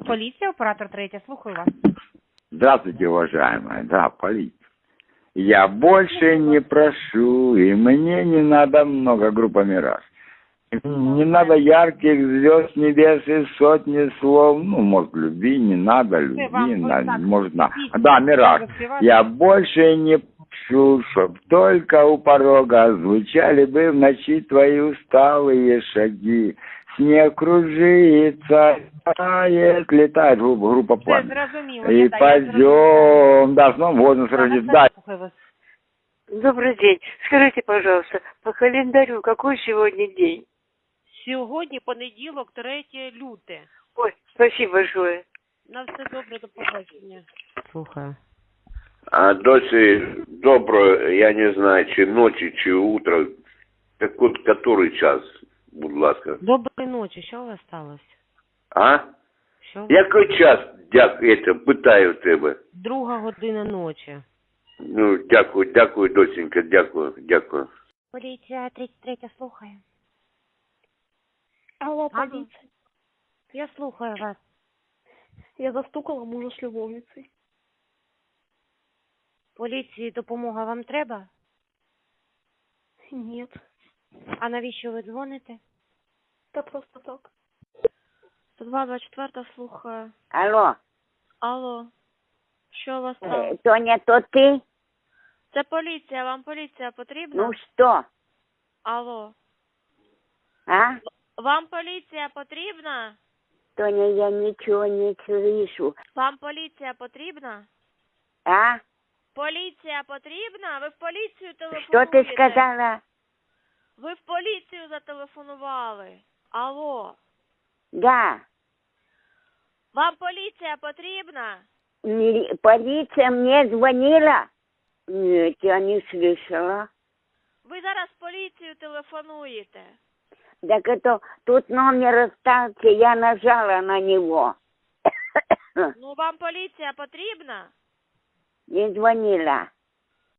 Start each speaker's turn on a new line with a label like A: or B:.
A: поліція, оператор третя, слухаю вас.
B: Здравствуйте, уважаемая. Да, полиция. Я больше не прошу, и мне не надо много, группа «Мираж». Не надо ярких звезд небес и сотни слов. Ну, может, любви, не надо любви, может, да, «Мираж». Я больше не прошу, чтоб только у порога звучали бы в ночи твои усталые шаги. Снег кружится, тает, летает группа «Пламя». И пойдем, да, с Новым годом, с Рождеством.
C: Добрый день. Скажите, пожалуйста, по календарю какой сегодня день?
A: Сьогодні понеділок, 3 люте.
C: Ой, спасибо большое.
A: На все добре, до побачення. Слухаю.
D: А досі добро, я не знаю, чи ночі, чи утро. Так от, який час, будь ласка?
A: Доброї ночі, що у вас сталося?
D: А?
A: Що?
D: Який час, питаю тебе?
A: 2 година ночі.
D: Ну, дякую, доченька, дякую.
A: Поліція 33, слухаю.
E: Алло, полиция.
A: Я слухаю вас.
E: Я застукала мужа с любовницей.
A: Поліції допомога вам треба?
E: Нет.
A: А навіщо ви дзвоните?
E: Да просто так.
A: 102-24, слухаю.
F: Алло,
A: Алло. Що у вас там?
F: Тоня, то ты?
A: Це поліція, вам поліція потрібна?
F: Ну что?
A: Алло.
F: А?
A: Вам поліція потрібна?
F: Тоня, я ничего не слышу.
A: Вам поліція потрібна?
F: А?
A: Поліція потрібна? Ви в поліцію телефонуєте?
F: Что ты сказала?
A: Ви в поліцію зателефонували. Алло.
F: Да.
A: Вам поліція потрібна?
F: Полиция мне звонила? Нет, я не слышала.
A: Ви зараз в поліцію телефонуєте.
F: Так это тут номер остался, я нажала на него.
A: Ну, вам поліція потрібна?
F: Не звонила.